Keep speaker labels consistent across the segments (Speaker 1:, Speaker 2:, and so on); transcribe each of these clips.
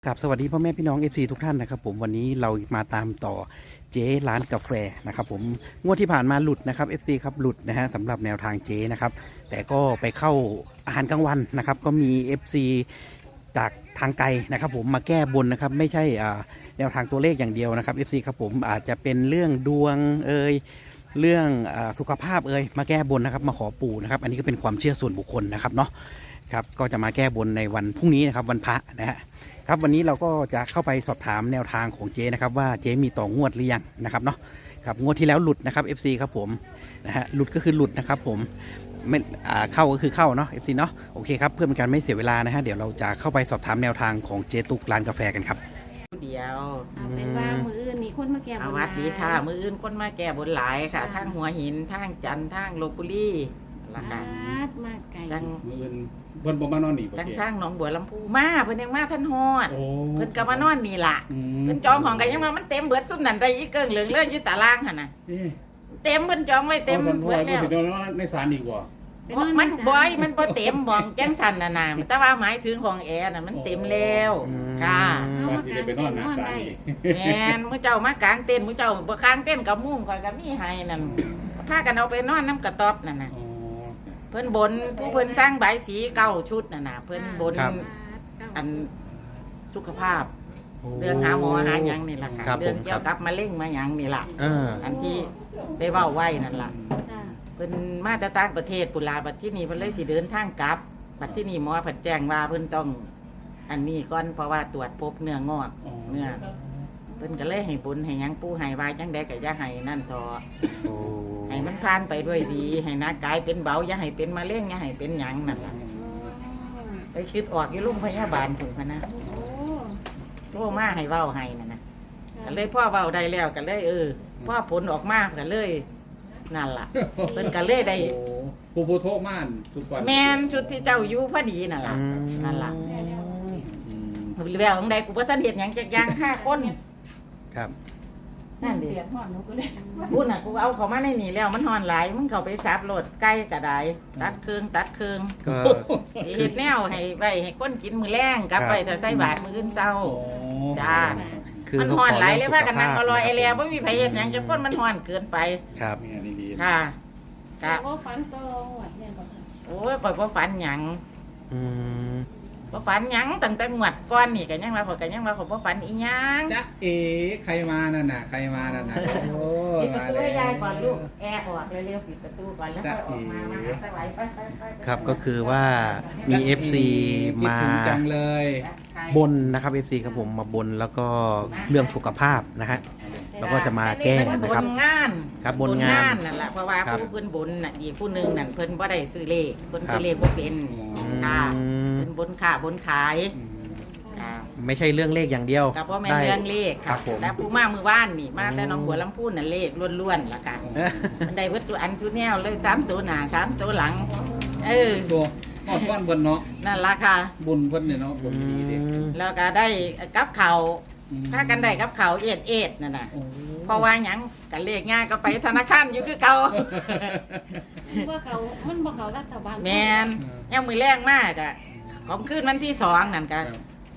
Speaker 1: ครับสวัสดีพ่อแม่พี่น้อง FC ทุกท่านนะครับผมวันนี้เรามาตามต่อเจ๊ร้านกาแฟนะครับผมงวดที่ผ่านมาหลุดนะครับ FC ครับหลุดนะฮะสำหรับแนวทางเจ๊นะครับแต่ก็ไปเข้าอาหารกลางวันนะครับก็มี FC จากทางไกลนะครับผมมาแก้บนนะครับไม่ใช่แนวทางตัวเลขอย่างเดียวนะครับ FC ครับผมอาจจะเป็นเรื่องดวงเรื่องสุขภาพมาแก้บนนะครับมาขอปู่นะครับอันนี้ก็เป็นความเชื่อส่วนบุคคลนะครับเนาะครับก็จะมาแก้บนในวันพรุ่งนี้นะครับวันพระนะฮะครับวันนี้เราก็จะเข้าไปสอบถามแนวทางของเจ๊นะครับว่าเจ๊มีต่องวดหรือยังนะครับเนาะครับงวดที่แล้วหลุดนะครับ FC ครับผมนะฮะหลุดก็คือหลุดนะครับผมไม่เข้าก็คือเข้าเนาะ FC เนาะโอเคครับเพื่อเป็นการไม่เสียเวลานะฮะเดี๋ยวเราจะเข้าไปสอบถามแนวทางของเจ๊ตุกร้านกาแฟกันครับ
Speaker 2: เดียว
Speaker 3: เอาเป็นว่ามืออื่นมีคนมาแก้บน
Speaker 2: สวัสดีค่ะมืออื่นคนมาแก้บนหลายค่ะทั้งหัวหินทั้งจันทร์ทั้งลพบุรีละค่ะ
Speaker 3: มากไก่
Speaker 2: ทั้ง
Speaker 4: มืออื่นเพิ่นบ่มานอนนี่บ่
Speaker 2: ทั้ง
Speaker 4: เจ๊
Speaker 2: ทั้งหนองบัวลำพูมาเพิ่นยังมาท่านฮอด
Speaker 4: โอ้
Speaker 2: เพิ่นก็มานอนนี่ล่ะเพิ่นจองห้องกันยังมามันเต็มเบิดซุ่มนั่นได้อีกเกิงเหลืองเลื่อนอยู่ตารางหั่นน่ะ
Speaker 4: เอ๊ะ
Speaker 2: เต็มเพิ่นจองไว้เต็ม
Speaker 4: อา
Speaker 2: เบิดแล้ว
Speaker 4: สิโดนในศาลอีกบ่
Speaker 2: มันบ่อยมันบ่เต็มบ่องแจ้งสั่นน่ะนะแต่ว่าหมายถึงห้องแอร์น่ะมันเต็มแล้วค่ะ
Speaker 4: บางทีได้ไปนอนหน้าศาลอีก
Speaker 2: แม่นมื้อเจ้ามากางเต็นท์มื้อเจ้าบ่กางเต็นท์กับมุ้งข่อยก็มีให้นั่นพากันเอาไปนอนน้ำกระต๊อบนั่นน่ะ
Speaker 4: อ๋อ
Speaker 2: เพิ่นบนผู้เพิ่นสร้างใบายสีเก้าชุดน่ะนะเพิ่นบนอันสุขภาพ เรื่องหาหมอหาหยังนี่ล่ะค่ะเรื่องเกี่ยวกับมะเร็งมาหยังนี่ล่ะอันที่ได้เว้าไว้นั่นล่ะเพิ่นมาแต่ต่างประเทศปุลาบัดที่นี่เพิ่นเลยสิเดินทางกลับบัดที่นี่หมอเพิ่นแจ้งว่าเพิ่นต้อง อันนี้ก่อนเพราะว่าตรวจพบเนื้องอกเนื้อเพิ่นก็เลยให้บุญให้หยังปู่ให้วายจังได๋ก็อย่าให้นั่นทอให้มันผ่านไปด้วยดีให้หน้ากายเป็นเบาอย่าให้เป็นมะเร็งอย่าให้เป็นหยังนั่นล่ะไปคิดออกอยู่โรงพยาบาลพุ่นพะนะโทรมาให้เว้าให้นั่นน่ะก็เลยพ่อเว้าได้แล้วก็เลยพ่อผลออกมาก็เลยนั่นล่ะเพิ่นก็เลยได้
Speaker 4: โอ้ผู้โทษม่านทุกวัน
Speaker 2: แม่นชุดที่เจ้าอยู่พอดีนั่นล่ะนั่นล่ะ
Speaker 4: อืม
Speaker 2: แววของใดกูบ่ทันเฮ็ดหยังจักอย่างฆ่าคน
Speaker 1: ครับ
Speaker 2: นั่นดิพูดน่ะกูเอาเขามาในนี่แล้วมันฮ้อนหลายมึงเข้าไปซับโลดไก่ก็ได้ตัดเครื่อง
Speaker 1: ก็
Speaker 2: สิเฮ็ดแนวให้ไว้ให้คนกินมื้อแลงกลับไปถ้าใส่บาตรมื้ออื่นเช้า
Speaker 4: โอ้
Speaker 2: จ้า มันฮ้อนหลายเลยพากันนั่งเอาลอยไอแลบ่มีไผเฮ็ดหยังจักคนมันฮ้อนเกินไป
Speaker 1: ครับ
Speaker 4: เนี่ยนี่ดี
Speaker 2: ค่ะ
Speaker 3: แต่
Speaker 2: ค่ะ
Speaker 3: ว่าฝันโตหวัดเนี่ยบอก
Speaker 2: โอ้ยข่อยบ่ฝันหยัง
Speaker 1: อืม
Speaker 2: บ่ฝันหยังตั้งแต่งวดก่อนนี่ก็ยังว่าข่อยก็ยังว่าข่อยบ่ฝันอีหยัง
Speaker 4: จ๊ะเอ๋ใครมานั่นน่ะใครมานั่นน่ะโอ้
Speaker 2: ปิดประ
Speaker 4: มา
Speaker 2: ตู
Speaker 4: แล้
Speaker 2: ให้ยายก่อน
Speaker 4: ว
Speaker 2: ลูกแอร์ออกเร็วๆปิดประตูก่อนแล้วค่อยออกมาหาตะไหลไปๆๆ
Speaker 1: ครับก็คือว่ามี FC มา
Speaker 4: คิดถึงจังเลย
Speaker 1: บนนะครับ FC ครับผมมาบนแล้วก็เรื่องสุขภาพนะฮะ แล้วก็จะมาแก้นะครับ
Speaker 2: บนงาน
Speaker 1: ครับบนงาน
Speaker 2: นั่นแหละเพราะว่า
Speaker 1: ครับ
Speaker 2: ผู้เพิ่นบนน่ะอีกผู้หนึงนั่นเพิ่นบ่ได้ซื้อเลขเพิ่น
Speaker 1: ครับ
Speaker 2: ซื้อเลขบ่เป็นค่ะ
Speaker 1: อืม
Speaker 2: เพิ่นบนค่าบนขาย
Speaker 4: อืม
Speaker 2: ค่ะ
Speaker 1: ไม่ใช่เรื่องเลขอย่างเดียว
Speaker 2: กับว่าแม่น
Speaker 1: ได้
Speaker 2: เรื่องเลข
Speaker 1: ครั
Speaker 2: ค่ะ
Speaker 1: บผม
Speaker 2: แล้วผู้มามือว่านนี่มาแต่หน้องบัวลำพูน่ะเลขล้วนๆล่ะค่ะ
Speaker 1: เอ้อ
Speaker 2: มันได้เบิดสุอันสุแนวเลย3ตัวหน้า3ตัวหลัง
Speaker 4: ตัวฮอดฟันเพิ่นเนาะ
Speaker 2: นั่นล่ะค่ะ
Speaker 4: บุญเพิ่นเนี่ยเนาะบุญดีดิ
Speaker 2: แล้วก็ได้กับเขาว
Speaker 4: อืม
Speaker 2: ถ้ากันได้กับเขาวเอ็ดนั่นน่ะ
Speaker 4: โอ้
Speaker 2: เพราะว่าหยังกันเลขง่ายก็ไปธนาคารอยู่คือเก่า
Speaker 3: ว่าเขามันบอกเขารัฐบาล
Speaker 2: แมนยังมือแรงมากอะของขึ้นวันที่2นั่นกัน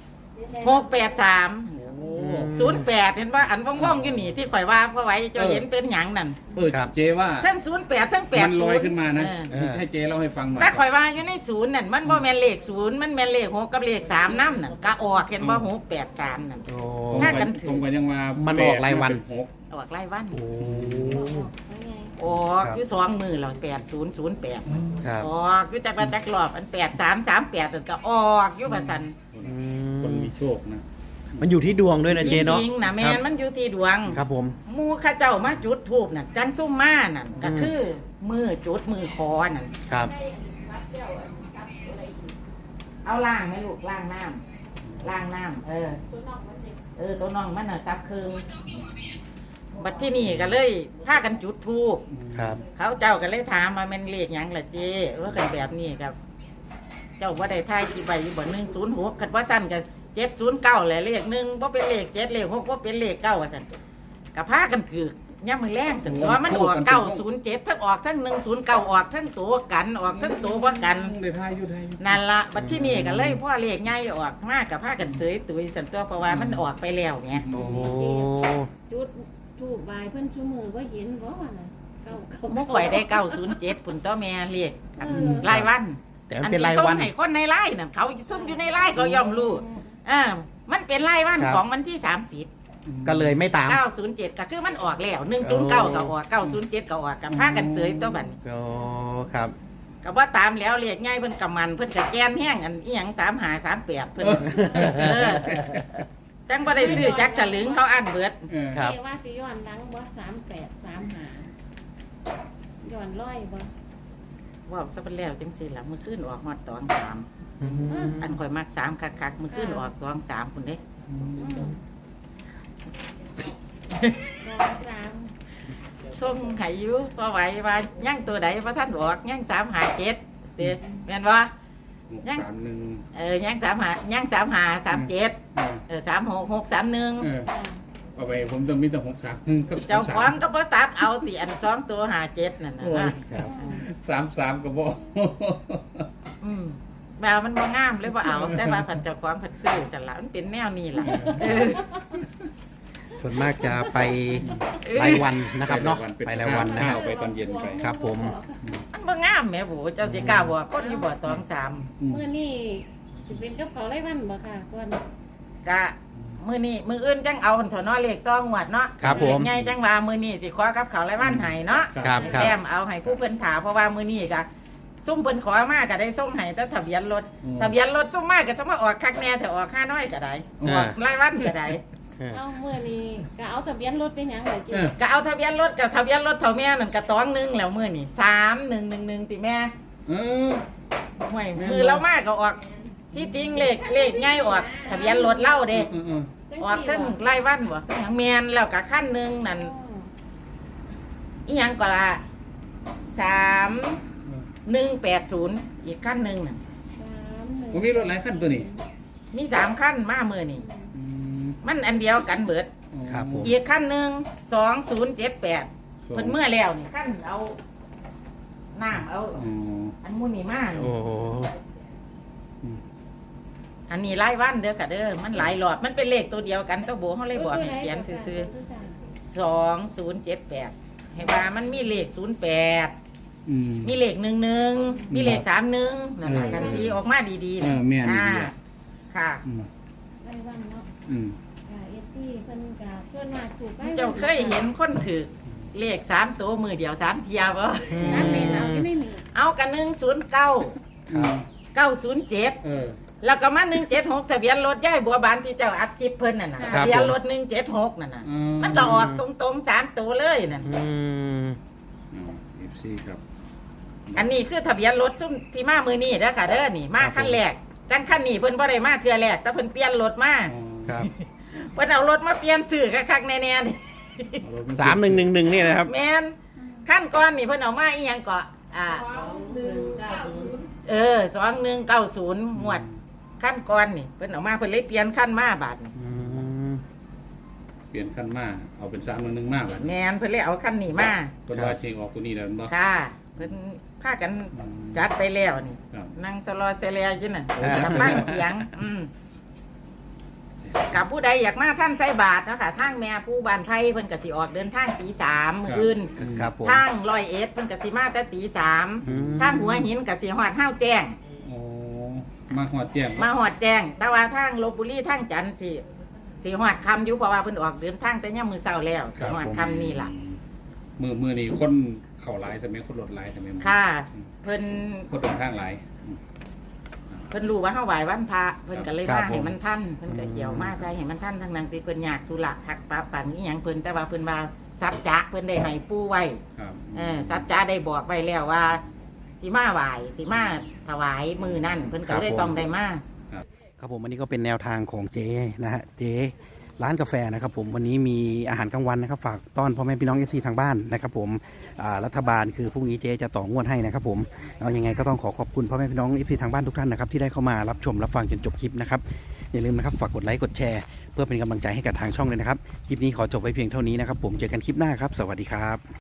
Speaker 2: 683
Speaker 4: โอ้
Speaker 2: 08เห็นว่าอันว่องๆอยู่นี่ที่ข่อยว่าเพราะไว้เจะเห็นเป็นหยังนั่น
Speaker 1: ครับ
Speaker 4: เจว่า
Speaker 2: ทั้ง08ทั้ง80
Speaker 4: มันลอยขึ้นมานะ
Speaker 1: เออ
Speaker 4: ให้เจเล่าให้ฟังหน่อย
Speaker 2: แต่ข่อยว่าอยู่ใน0นั่นมันบ่แม่นเลข0มันแม่นเลข6กับเลข3นำนั่นก็ออกเห็นบ่683นั่น
Speaker 1: โอ้
Speaker 2: ถ้ากันถือ
Speaker 4: ผมก็ยังว่า
Speaker 1: มั
Speaker 4: มัน
Speaker 1: ออกรายวัน
Speaker 2: ออกรายวัน
Speaker 1: โอ้
Speaker 2: ออกอยู่2มื้อแล้ว8008
Speaker 1: ครับ
Speaker 2: ออกอยู่จักว่าจักรอบอัน8338นั่นก็ออกอยู่ว่าซั่น
Speaker 4: คนมีโชคนะ
Speaker 1: มันอยู่ที่ดวงด้วยนะเจเนาะ
Speaker 2: จริงๆนะแม่นมันอยู่ที่ดวง
Speaker 1: ครับผม
Speaker 2: หมูข้าเจ้ามาจุดทูบน่ะจังซุ่มมานั่นก็คือมือจุดมือคอนั่น
Speaker 1: ครับ
Speaker 2: เอาล่างไหมลูกล่างน้ำล่างน้ำตัวน้องมันน่ะซับคืนบัดที่นี่ก็เลยพากันจุดทูบ
Speaker 1: ครับ
Speaker 2: เขาเจ้าก็เลยถามมาแม่นเลขหยังล่ะเจ้ว่ากันแบบนี้ครับ เจ้าว่าได้ทายกี่ใบอยู่บ่106คันว่าสั้นก็709แหละเลข1บ่เป็นเลข7เลข6บ่เป็นเลข9ว่าซั่นก็พากันถือย่ำมือแรงสันตัวมันออก907ทั้งออกทั้ง109ออกทั้งตัวกันออกทั้งตัวบ่กัน
Speaker 4: ได้ทายอยู่ได้อยู่
Speaker 2: นั่นละบัดที่นี่ก็เลยพ่อเลขใหญ่ออกมากกับผ้ากันเสยตุยสันตัวเพราะว่ามันออกไปแล้วเนี่ย
Speaker 1: โอ้
Speaker 3: จุดถูกบายเพิ่นชูมือว่าเห็นบ่ว่าน่ะเก้า
Speaker 2: มุกข่อยได้907ปุ่นตัวแม่เรียกอันรายวัน
Speaker 1: แต่มันเป็นรายวัน
Speaker 2: อัที่ส่งให้คนในไร่น่ะเขาซุ่มอยู่ในไร่เขาย่อมรู้มันเป็นรายวัน
Speaker 1: ครับ
Speaker 2: ของวันที่30
Speaker 1: ก็เลยไม่ตาม
Speaker 2: 907ก็คือมันออกแล้ว109ก็ออก907ก็ออกกับผ้ากันเสยตัวบัดนี้
Speaker 1: โอ้ครับ
Speaker 2: ก็ว่าตามแล้วเรียกง่ายเพิ่นกำมันเพิ่นก็แกนแห้งอันอีหยัง3538เพิ่นจังบ่ได้ซื้อจักสลึงเขาอันเบิด
Speaker 1: ครับ
Speaker 3: เรียกว่าสิย้อนหลังบ่38 35ย้อนร้อยบ่
Speaker 2: ว่าซะเป็นแล้วจังซี่ล่ะมื้อคืนออกฮอดตอง3อันข่อยมัก3คักๆมื้อคืนออกตอง3พุ่นเด้
Speaker 3: 23
Speaker 2: ส่งให้อยู่พอไหวว่ายังตัวใดบ่ทันออกยัง357เด้แม่นบ่ ยัง
Speaker 4: 631
Speaker 2: ยัง35ยัง3537 36631
Speaker 4: เอาไปผมต้องมีแต่631กับ
Speaker 2: เจ้าของก็บ่ตัดเอาติอัน2ตัว57นั่นน่ะนะ
Speaker 1: ครับ
Speaker 4: 33ก็บ่
Speaker 2: ว่ามันบ่งามเลยบ่เอาแต่ว่าผันเจ้าของผันซื้อสั่นล่ะมันเป็นแนวนี้ล่ะ
Speaker 1: ส่วนมากจะไปรายวันนะครับเนาะไปรายวันนะค
Speaker 4: ข้า
Speaker 1: รั
Speaker 4: ว
Speaker 1: บ
Speaker 4: ไปตอนเย็นไป
Speaker 1: ครับผม
Speaker 2: มันบ่งามแหม่โบเจ้าสิกล้าบอกคนอยู่บ่ตองสาม
Speaker 3: มื้อนี้สิเป็นกับเขาวไรวันบ่ค่ะก่อน
Speaker 2: กะมื้อนี้มื้ออื่นจังเอาหั่นเถอะเนาะเลขต้องงวดเนาะ
Speaker 1: ครับผม
Speaker 2: ใหญ่จังว่ามื้อนี้สิขอกับเขาวรายวันให้เนาะ
Speaker 1: ครับครับ
Speaker 2: แต้มเอาให้ผู้เพิ่นถามเพราะว่ามื้อนี้ก็ซุ่มเพิ่นขอมาก็ได้ส่งให้แต่ทะเบียนรถทะเบียนรถซุ่มมาก็จะมาออกคักแน่แต่ออกค่าน้อยก็ได้ออกรายวันก็ได้
Speaker 3: เอามื้อนี้ก็เอาทะเบียนรถไปหยังเลยจิ
Speaker 2: ก็เอาทะเบียนรถกับทะเบียนรถเท่าแม่นั่นก็ตองหนึงแล้วมื้อนี้3111ติแม่ ห่วยมือเรามากก็ออกที่จริงเลขง่ายออกทะเบียนรถเล่าเด้ออกทั้งไล่วันบ่ทั้งแมนแล้วก็ขั้นหนึ่งนั่นอีหยังก็ละ3180อีกขั้นหนึ่งน่ะ
Speaker 4: ผมมีรถหลายคันตัวนี้
Speaker 2: มี3ขั้นมามือนี่มันอันเดียวกันเบิด
Speaker 1: ครับผม
Speaker 2: อีกขั้นหนึ่ง2078เพิ่นเมื่อแล้วนี่ขั้นเอาน้ำเอาอันมูนี่มา
Speaker 1: โอ้โห
Speaker 2: อันนี้ไล่วันเด้อค่ะเด้อมันหลายหลอดมันเป็นเลขตัวเดียวกันตัวโบเขาเลยบอกให้เขียนซื่อ2078ให้ว่ามันมีเลข08มีเลข11มีเลข31นั่นแหละกันดีออกมาดีๆ
Speaker 4: แม่นดี
Speaker 2: ค่ะ
Speaker 3: ไรวันเนาะ ค่ะFP เพิ่นก็ส่วนมากถูก
Speaker 2: เจ้าเคยเห็นคนถือเลข3ตัวมือเดียว3เทียบ่
Speaker 3: นั่นเป็นเอาอยู่ในนี่
Speaker 2: เอากัน109 907แล้วก็มา176ทะเบียนรถย่ายบัวบานที่เจ้าอัดคลิปเพิ่นน่ะนะทะเบียนรถ176นั่นน่ะมันก็ออกตรงๆ3ตัวเลยนั่น
Speaker 4: FC ครับ
Speaker 2: อันนี้คือทะเบียนรถซุ่มที่มามือนี้เด้อค่ะเด้อนี่มาขั้นแรกจังขั้นนี้เพิ่นบ่ได้มาเทื่อแรกแต่เพิ่นเปลี่ยนรถมา
Speaker 1: ครับ
Speaker 2: เพิ่นเอารถมาเปลี่ยนซื้อคักๆแน่ๆนี่
Speaker 1: 3111นี่นะครับ
Speaker 2: แม่นขั้นก่อนนี่เพิ่นเอามาอีหยังก็2190งวดขั้นก่อนนี่เพิ่นเอามาเพิ่นเลยเปลี่ยนขั้นมาบาดนี่
Speaker 4: เปลี่ยนคันมาเอาเป็น311มากบัด
Speaker 2: แม่นเพิ่นเลยเอาขั้นนี้มา
Speaker 4: เพิ่นว่าสิออกตัวนี้แล้วบ่
Speaker 2: ค่ะเพิ่นพากันจัดไปแล้วนี่
Speaker 4: ครับ
Speaker 2: นั่งสลอเซเลียอยู่นั่นกับฟังเสียงกับผู้ใดอยากมาท่านใส่บาทเนาะค่ะทางแม่ผู้บ้านไผ่เพิ่นก็สิออกเดินทางตี3มื้ออื่น
Speaker 1: ครับผม
Speaker 2: ทาง101เพิ่นก็สิมาแต่ตี3ทางหัวหินก็สิฮอดห้าวแจ้ง
Speaker 4: โอ้มาฮอดเที่ยง
Speaker 2: มาฮอดแจ้ง แต่ว่าทางลพบุรีทางจันทร์สิฮอดค่ำอยู่เพราะว่าเพิ่นออกเดินทางแต่ยามมื้อเช้าแล้วสิฮอดค่ำนี่ล่ะ
Speaker 4: มื้อนี้คนเข้าหลายใช่มั้ยคนรถหลายใช่มั้ย
Speaker 2: ค่ะเพิ่น
Speaker 4: คนเดินทางหลาย
Speaker 2: เพิ่นรู้ว่าเฮาไหว้วันพระเพิ่นก็เลย
Speaker 1: ครั
Speaker 2: มา
Speaker 1: บผม
Speaker 2: ให้มันทันเพิ่นก็เกี่ยวมาใส่ให้มันทันทั้งนั้นที่เพิ่นอยากธุระคักปะปันอีหยังเพิ่นแต่ว่าเพิ่นว่าสัจจะเพิ่นได้ให้ปู่ไว้
Speaker 4: ครับ
Speaker 2: สัจจะได้บอกไว้แล้วว่าสิมาไหว้สิมาถวายมือนั่นเพิ่นก็เลยต้องได้มา
Speaker 1: ครับผมอันนี้ก็เป็นแนวทางของเจ๊นะฮะเจ๊ร้านกาแฟนะครับผมวันนี้มีอาหารกลางวันนะครับฝากต้อนพ่อแม่พี่น้อง FC ทางบ้านนะครับผมรัฐบาลคือพรุ่งนี้เจ๊จะต่องวดให้นะครับผมเอายังไงก็ต้องขอบคุณพ่อแม่พี่น้อง FC ทางบ้านทุกท่านนะครับที่ได้เข้ามารับชมรับฟังจนจบคลิปนะครับอย่าลืมนะครับฝากกดไลค์กดแชร์เพื่อเป็นกำลังใจให้กับทางช่องเลยนะครับคลิปนี้ขอจบไว้เพียงเท่านี้นะครับผมเจอกันคลิปหน้าครับสวัสดีครับ